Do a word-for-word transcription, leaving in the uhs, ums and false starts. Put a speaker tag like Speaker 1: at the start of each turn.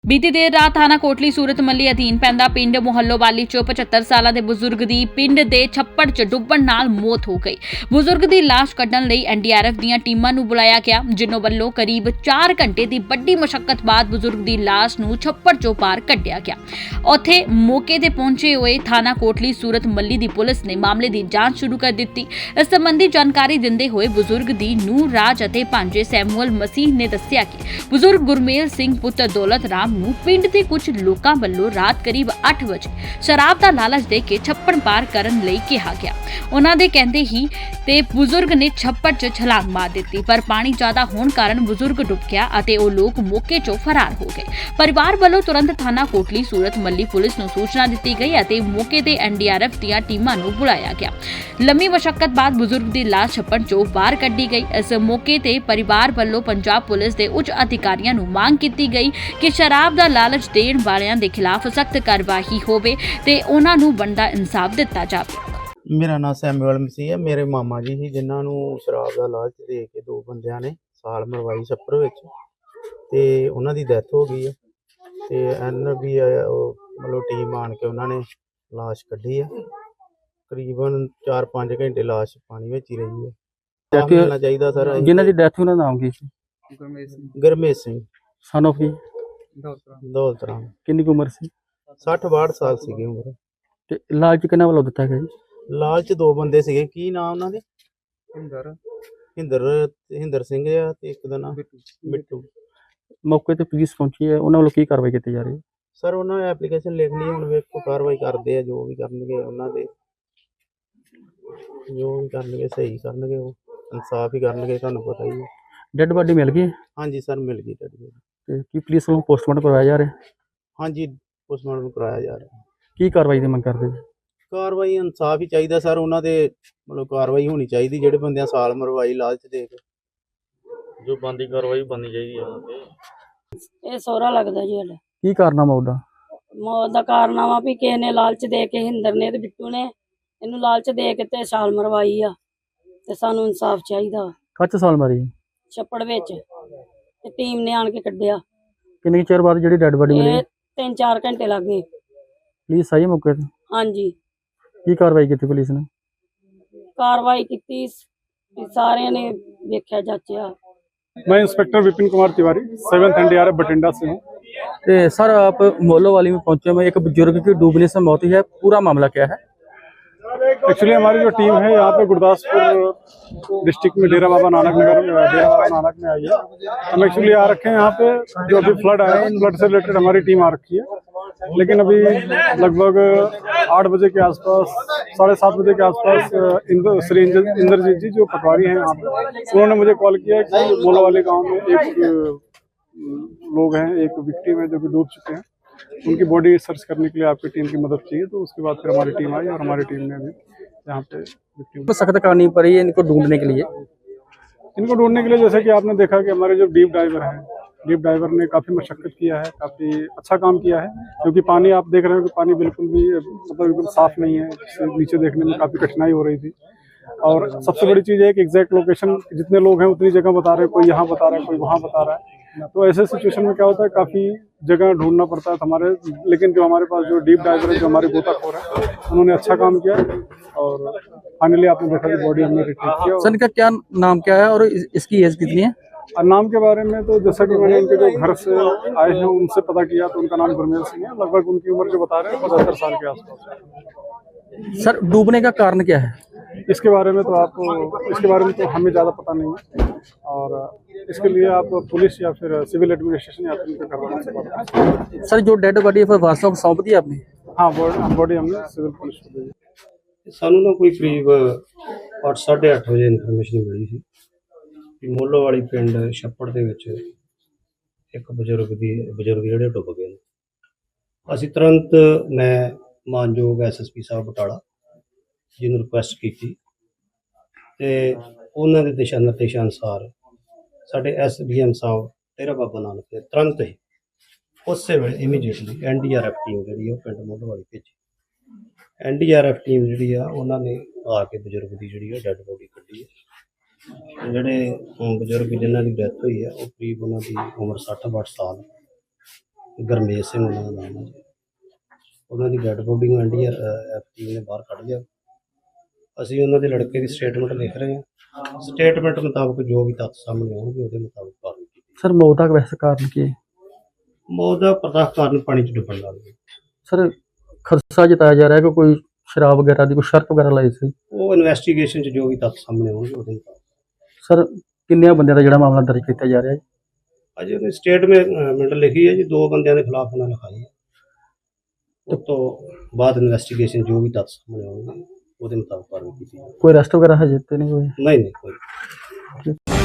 Speaker 1: बीती देर रात थाना कोटली सूरत मल्ली अधीन पैंदा पिंड मोहल्लोवाली च पचहत्तर साल के बजुर्ग की पिंड के छप्पड़ च डुब्बण नाल मौत हो गई। बुजुर्ग की लाश कड्ढण लई एन डी आर एफ ਦੀਆਂ ਟੀਮਾਂ ਨੂੰ बुलाया गया, जिन्हों ਵੱਲੋਂ करीब चार घंटे की ਵੱਡੀ मुशक्कत बाद बुजुर्ग की लाश ਨੂੰ छप्पड़ चों पार ਕੱਢਿਆ ਗਿਆ। ਉੱਥੇ मौके ਤੇ पहुंचे हुए थाना कोटली सूरत मल्ली की पुलिस ने मामले की जांच शुरू कर दी। इस संबंधी जानकारी दिंदे हुए बुजुर्ग की ਨੂੰਹ राज ਅਤੇ ਭਾਂਜੇ ਸੈਮੂਅਲ ਮਸੀਹ ने दस्सिया कि बुजुर्ग गुरमेल सिंह पुत्र दौलत राम ਨੂੰ ਪਿੰਡ ਦੇ ਕੁਝ ਲੋਕਾਂ ਵੱਲੋਂ ਰਾਤ ਕਰੀਬ ਅੱਠ ਵਜੇ ਸ਼ਰਾਬ ਦਾ ਲਾਲਚ ਦੇ ਕੇ ਛੱਪੜ ਪਾਰ ਕਰਨ ਲਈ ਕਿਹਾ ਗਿਆ। ਉਹਨਾਂ ਦੇ ਕਹਿੰਦੇ ਹੀ ਤੇ ਬਜ਼ੁਰਗ ਨੇ ਛੱਪੜ 'ਚ ਛਲਾਂਗ ਮਾਰ ਦਿੱਤੀ, ਪਰ ਪਾਣੀ ਜ਼ਿਆਦਾ ਹੋਣ ਕਾਰਨ ਬਜ਼ੁਰਗ ਡੁੱਬ ਗਿਆ ਅਤੇ ਉਹ ਲੋਕ ਮੌਕੇ 'ਚੋਂ ਫਰਾਰ ਹੋ ਗਏ। ਪਰਿਵਾਰ ਵੱਲੋਂ ਤੁਰੰਤ ਥਾਣਾ ਕੋਟਲੀ ਸੂਰਤ ਮੱਲੀ ਪੁਲਿਸ ਨੂੰ ਸੂਚਨਾ ਦਿੱਤੀ ਗਈ ਅਤੇ ਮੌਕੇ ਤੇ ਐਨ ਡੀ ਆਰ ਐਫ ਦੀਆਂ ਟੀਮਾਂ ਨੂੰ ਬੁਲਾਇਆ ਗਿਆ। ਲੰਮੀ ਮੁਸ਼ੱਕਤ ਬਾਅਦ ਬਜ਼ੁਰਗ ਦੀ ਲਾਸ਼ ਛੱਪੜ 'ਚੋਂ ਬਾਹਰ ਕੱਢੀ ਗਈ। ਇਸ ਮੌਕੇ ਤੇ ਪਰਿਵਾਰ ਵੱਲੋਂ ਪੰਜਾਬ ਪੁਲਿਸ ਦੇ ਉੱਚ ਅਧਿਕਾਰੀਆਂ ਨੂੰ ਮੰਗ ਕੀਤੀ ਗਈ ਕਿ ਸ਼ਰਾਬ ਦਾ ਲਾਲਚ ਦੇਣ ਵਾਲਿਆਂ ਦੇ ਖਿਲਾਫ ਸਖਤ ਕਾਰਵਾਈ ਹੋਵੇ ਤੇ ਉਹਨਾਂ ਨੂੰ ਬਣਦਾ ਇਨਸਾਫ ਦਿੱਤਾ ਜਾਵੇ।
Speaker 2: ਮੇਰਾ ਨਾਮ ਸੈਮੂਅਲ ਮਸੀਹ ਹੈ। ਮੇਰੇ ਮਾਮਾ ਜੀ ਸੀ ਜਿਨ੍ਹਾਂ ਨੂੰ ਸ਼ਰਾਬ ਦਾ ਲਾਲਚ ਦੇ ਕੇ ਦੋ ਬੰਦਿਆਂ ਨੇ ਸਾਲ ਮਰਵਾਈ ਛੱਪੜ ਵਿੱਚ ਤੇ ਉਹਨਾਂ ਦੀ ਡੈਥ ਹੋ ਗਈ ਹੈ ਤੇ ਐਨ ਵੀ ਉਹ ਮਤਲਬ ਟੀਮ ਆਣ ਕੇ ਉਹਨਾਂ ਨੇ ਲਾਸ਼ ਕੱਢੀ ਹੈ। ਤਕਰੀਬਨ ਚਾਰ ਪੰਜ ਘੰਟੇ ਲਾਸ਼ ਪਾਣੀ ਵਿੱਚ ਹੀ ਰਹੀ ਹੈ।
Speaker 3: ਡੈਥ
Speaker 2: ਮਿਲਣਾ ਚਾਹੀਦਾ ਸਰ।
Speaker 3: ਜਿਨ੍ਹਾਂ ਦੀ ਡੈਥ ਉਹਨਾਂ ਦਾ ਨਾਮ ਕੀ ਸੀ?
Speaker 2: ਗੁਰਮੇਲ ਸਿੰਘ
Speaker 3: ਸਨ ਆਫ ਕੀ?
Speaker 2: ਦੌਲਤ ਰਾਮ।
Speaker 3: ਕਿੰਨੀ ਕੁ ਉਮਰ ਸੀ?
Speaker 2: ਸੱਠ ਬਾਹਠ ਸਾਲ ਸੀਗੀ ਉਮਰ।
Speaker 3: ਤੇ ਲਾਲਚ ਕਿਹਨਾਂ ਵੱਲੋਂ ਦਿੱਤਾ ਗਿਆ ਜੀ?
Speaker 2: ਲਾਲਚ ਦੋ ਬੰਦੇ ਸੀਗੇ। ਕੀ ਨਾਮ ਉਹਨਾਂ ਦੇ? ਹਿੰਦਰ ਹਿੰਦਰ ਹਿੰਦਰ ਸਿੰਘ ਆ ਤੇ ਇੱਕ ਦਾ ਨਾਮ ਮਿੱਟੂ।
Speaker 3: ਮੌਕੇ ਤੇ ਪੁਲਿਸ ਪਹੁੰਚੀ ਹੈ, ਉਹਨਾਂ ਵੱਲੋਂ ਕੀ ਕਾਰਵਾਈ ਕੀਤੀ ਜਾ ਰਹੀ ਹੈ?
Speaker 2: ਸਰ ਉਹਨਾਂ ਨੇ ਐਪਲੀਕੇਸ਼ਨ ਲਿਖ ਲਈ, ਹੁਣ ਵੇਖੋ ਕਾਰਵਾਈ ਕਰਦੇ ਆ, ਜੋ ਵੀ ਕਰਨਗੇ ਉਹਨਾਂ ਦੇ ਜੋ ਵੀ ਕਰਨਗੇ ਸਹੀ ਕਰਨਗੇ, ਉਹ ਇਨਸਾਫ ਹੀ ਕਰਨਗੇ, ਤੁਹਾਨੂੰ ਪਤਾ ਹੀ ਹੈ।
Speaker 3: ਡੈੱਡ ਬਾਡੀ ਮਿਲ ਗਈ?
Speaker 2: ਹਾਂਜੀ ਸਰ ਮਿਲ ਗਈ ਡੈਡ ਬੋਡੀ।
Speaker 3: ਤੇ ਕੀ ਪੁਲਿਸ ਵੱਲੋਂ ਪੋਸਟਮਾਰਟਮ ਕਰਵਾਇਆ ਜਾ ਰਿਹਾ?
Speaker 2: ਹਾਂਜੀ ਪੋਸਟਮਾਰਟਮ ਕਰਾਇਆ ਜਾ ਰਿਹਾ।
Speaker 3: ਕੀ ਕਾਰਵਾਈ ਦੀ ਮੰਗ ਕਰਦੇ ਜੀ?
Speaker 2: ਕਾਰਵਾਈ ਇਨਸਾਫ ਹੀ ਚਾਹੀਦਾ ਸਰ, ਉਹਨਾਂ ਦੇ ਮਤਲਬ ਕਾਰਵਾਈ ਹੋਣੀ ਚਾਹੀਦੀ ਜਿਹੜੇ ਬੰਦਿਆਂ ਸਾਲ ਮਰਵਾਈ ਲਾਲਚ ਦੇ ਕੇ, ਜੋ ਬੰਦੀ ਕਾਰਵਾਈ ਬਣਨੀ ਚਾਹੀਦੀ ਹੈ ਉਹਨਾਂ ਤੇ।
Speaker 4: ਇਹ ਸਹੁਰਾ ਲੱਗਦਾ ਜੀ ਸਾਡਾ।
Speaker 3: ਕੀ ਕਾਰਨਾਮਾ ਉਹਦਾ?
Speaker 4: ਮੌਤ ਦਾ ਕਾਰਨਾਮਾ ਵੀ ਕਿਸੇ ਨੇ ਲਾਲਚ ਦੇ ਕੇ, ਹਿੰਦਰ ਨੇ ਤੇ ਬਿੱਟੂ ਨੇ ਇਹਨੂੰ ਲਾਲਚ ਦੇ ਕੇ ਤੇ ਸਾਲ ਮਰਵਾਈ ਆ ਤੇ ਸਾਨੂੰ ਇਨਸਾਫ ਚਾਹੀਦਾ।
Speaker 3: ਕੱਚ ਸਾਲ ਮਾਰੀ?
Speaker 4: ਛੱਪੜ ਵਿੱਚ ਤੇ ਟੀਮ ਨੇ ਆਣ ਕੇ ਕੱਢਿਆ।
Speaker 3: ਕਿੰਨੇ ਚਿਰ ਬਾਅਦ ਜਿਹੜੀ ਡੈੱਡ ਬਾਡੀ ਮਿਲੀ?
Speaker 4: ਇਹ ਤਿੰਨ ਚਾਰ ਘੰਟੇ ਲੱਗ ਗਏ।
Speaker 3: ਪੁਲਿਸ ਆਈ ਮੌਕੇ ਤੇ?
Speaker 4: ਹਾਂਜੀ
Speaker 3: ਕੀ ਕਾਰਵਾਈ ਕੀਤੀ ਪੁਲਿਸ ਨੇ?
Speaker 4: ਕਾਰਵਾਈ ਕੀਤੀ, ਸਾਰਿਆਂ ਨੇ ਵੇਖਿਆ ਜਾਚਿਆ।
Speaker 5: मैं inspector Vipin Kumar Tiwari, seventh N D R F Bathinda से हूँ।
Speaker 3: तो सर आप मोहल्लोवाली में पहुंचे हुए, एक बुजुर्ग की डूबने से मौत हुई है, पूरा मामला क्या है?
Speaker 5: एक्चुअली हमारी जो टीम है यहाँ पे गुरदासपुर डिस्ट्रिक्ट में डेरा बाबा नानक नगर में डेरा बाबा नानक में आई है। हम एक्चुअली आ रखे हैं यहाँ पे, जो अभी फ्लड आया है, फ्लड से रिलेटेड हमारी टीम आ रखी है। लेकिन अभी लगभग आठ बजे के आसपास, साढ़े सात बजे के आसपास इंद्र श्री इंद्रजीत जी जो पटवारी हैं यहाँ पे, उन्होंने मुझे कॉल किया कि मोहल्लोवाली गाँव में एक लोग हैं, एक विक्टिम है जो कि डूब चुके हैं, उनकी बॉडी सर्च करने के लिए आपकी टीम की मदद चाहिए। तो उसके बाद फिर हमारी टीम आई और हमारी टीम ने अभी यहाँ पे विक्टिम
Speaker 3: सख्त करनी पड़ी है इनको ढूंढने के लिए।
Speaker 5: इनको ढूंढने के लिए जैसे कि आपने देखा कि हमारे जो डीप डाइवर हैं, डीप डाइवर ने काफ़ी मशक्कत किया है, काफ़ी अच्छा काम किया है, क्योंकि पानी आप देख रहे हो कि पानी बिल्कुल भी मतलब एकदम साफ नहीं है, जिससे नीचे देखने में काफ़ी कठिनाई हो रही थी। और सबसे बड़ी चीज़ है कि एग्जैक्ट लोकेशन जितने लोग हैं उतनी जगह बता रहे हैं, कोई यहाँ बता रहा है, कोई वहाँ बता रहा है। तो ऐसे सिचुएशन में क्या होता है, काफ़ी जगह ढूंढना पड़ता है हमारे, लेकिन जो हमारे पास जो डीप डाइवर है, जो हमारे गोताखोर है, उन्होंने अच्छा काम किया और फाइनली आपने देखा कि बॉडी हमने रिट्रीव किया।
Speaker 3: सर इनका क्या नाम क्या है और इसकी एज कितनी है?
Speaker 5: और नाम के बारे में तो जैसा कि मैंने उनके जो घर से आए हैं उनसे पता किया तो उनका नाम गुरमेल सिंह है। लगभग उनकी उम्र जो बता रहे हैं पचहत्तर साल के आसपास।
Speaker 3: सर डूबने का कारण क्या है?
Speaker 5: इसके बारे में तो आप इसके बारे में तो हमें ज़्यादा पता नहीं है, और इसके लिए आप पुलिस या फिर सिविल एडमिनिस्ट्रेशन या फिर करवाना से बात करें।
Speaker 3: सर जो डेड बॉडी है वास्तव को सौंप दी आपने?
Speaker 5: हाँ बॉडी हमने सिविल पुलिस को दी।
Speaker 6: ਸਾਨੂੰ ਨਾ ਕੋਈ ਕਰੀਬ ਅੱਠ ਸਾਢੇ ਅੱਠ ਵਜੇ ਇਨਫੋਰਮੇਸ਼ਨ ਮਿਲੀ ਸੀ ਕਿ ਮੋਹਲੋਵਾਲੀ ਪਿੰਡ ਛੱਪੜ ਦੇ ਵਿੱਚ ਇੱਕ ਬਜ਼ੁਰਗ ਦੀ ਬਜ਼ੁਰਗ ਜਿਹੜੇ ਡੁੱਬ ਗਏ ਨੇ। ਅਸੀਂ ਤੁਰੰਤ ਮੈਂ ਮਾਨਯੋਗ ਐਸ ਐਸ ਪੀ ਸਾਹਿਬ ਬਟਾਲਾ ਜੀ ਨੂੰ ਰਿਕੁਐਸਟ ਕੀਤੀ ਤੇ ਉਹਨਾਂ ਦੇ ਦਿਸ਼ਾ ਨਿਰਦੇਸ਼ਾਂ ਅਨੁਸਾਰ ਸਾਡੇ ਐਸ ਡੀ ਐਮ ਸਾਹਿਬ ਡੇਰਾ ਬਾਬਾ ਨਾਨਕ ਨੇ ਤੁਰੰਤ ਹੀ ਉਸੇ ਵੇਲੇ immediately N D R F team ਜਿਹੜੀ ਉਹ ਪਿੰਡ ਮੋਹਲੋਵਾਲੀ ਭੇਜੀ। N D R F team ਜਿਹੜੀ ਆ ਉਹਨਾਂ ਨੇ ਆ ਕੇ ਬਜ਼ੁਰਗ ਦੀ ਜਿਹੜੀ ਆ ਡੈੱਡ ਬੋਡੀ ਕੱਢੀ ਹੈ। ਜਿਹੜੇ ਬਜ਼ੁਰਗ ਜਿਨ੍ਹਾਂ ਦੀ ਡੈਥ ਹੋਈ ਹੈ ਉਹ ਕਰੀਬ ਉਹਨਾਂ ਦੀ ਉਮਰ ਸੱਠ ਬਾਹਠ ਸਾਲ ਗਰਮੇਸ਼ ਸਿੰਘ ਉਹਨਾਂ ਦਾ ਨਾਮ ਹੈ ਜੀ। ਉਹਨਾਂ ਦੀ ਡੈਡ ਬੋਡੀ ਨੂੰ N D R F team ਨੇ ਬਾਹਰ ਕੱਢ ਲਿਆ। ਅਸੀਂ ਉਹਨਾਂ ਦੇ ਲੜਕੇ ਦੀ ਸਟੇਟਮੈਂਟ ਲਿਖ ਰਹੇ ਹਾਂ। ਸਟੇਟਮੈਂਟ ਮੁਤਾਬਕ ਜੋ ਵੀ ਤੱਥ ਸਾਹਮਣੇ ਆਉਣਗੇ ਉਹਦੇ ਮੁਤਾਬਕ ਕਾਰਵਾਈ ਕੀਤੀ।
Speaker 3: ਸਰ ਮੌਤ ਦਾ ਵੈਸੇ ਕਾਰਨ ਕੀ ਹੈ?
Speaker 6: ਮੌਤ ਦਾ ਪ੍ਰਤੱਖ ਕਾਰਨ ਪਾਣੀ 'ਚ ਡੁੱਬਣ ਨਾਲ ਹੈ।
Speaker 3: ਸਰ ਖਰਚਾ ਜਤਾਇਆ ਜਾ ਰਿਹਾ ਕਿ ਕੋਈ ਸ਼ਰਾਬ ਵਗੈਰਾ ਦੀ ਕੋਈ ਸ਼ਰਤ ਵਗੈਰਾ ਲਾਈ ਸੀ।
Speaker 6: ਉਹ ਇਨਵੈਸਟੀਗੇਸ਼ਨ 'ਚ ਜੋ ਵੀ ਤੱਥ ਸਾਹਮਣੇ ਆਉਣਗੇ ਉਹਦੇ ਮੁਤਾਬਕ।
Speaker 3: ਸਰ ਕਿੰਨੇ ਬੰਦਿਆਂ ਦਾ ਜਿਹੜਾ ਮਾਮਲਾ ਦਰਜ ਕੀਤਾ ਜਾ ਰਿਹਾ ਹੈ?
Speaker 6: ਅਜੇ ਉਹਨੇ ਸਟੇਟਮੈਂਟ ਲਿਖੀ ਹੈ ਜੀ, ਦੋ ਬੰਦਿਆਂ ਦੇ ਖਿਲਾਫ ਉਹਨਾਂ ਲਿਖਾਈ ਹੈ। ਉਸ ਤੋਂ ਬਾਅਦ ਇਨਵੈਸਟੀਗੇਸ਼ਨ ਜੋ ਵੀ ਤੱਥ ਸਾਹਮਣੇ ਆਉਣਗੇ ਉਹਦੇ ਮੁਤਾਬਕ ਕਾਰਵਾਈ ਕੀਤੀ ਜਾਵੇਗੀ।
Speaker 3: ਕੋਈ ਅਰੈਸਟ ਵਗੈਰਾ ਹਜੇ ਤੇ ਨਹੀਂ ਹੋਈ?
Speaker 6: ਨਹੀਂ ਨਹੀਂ ਕੋਈ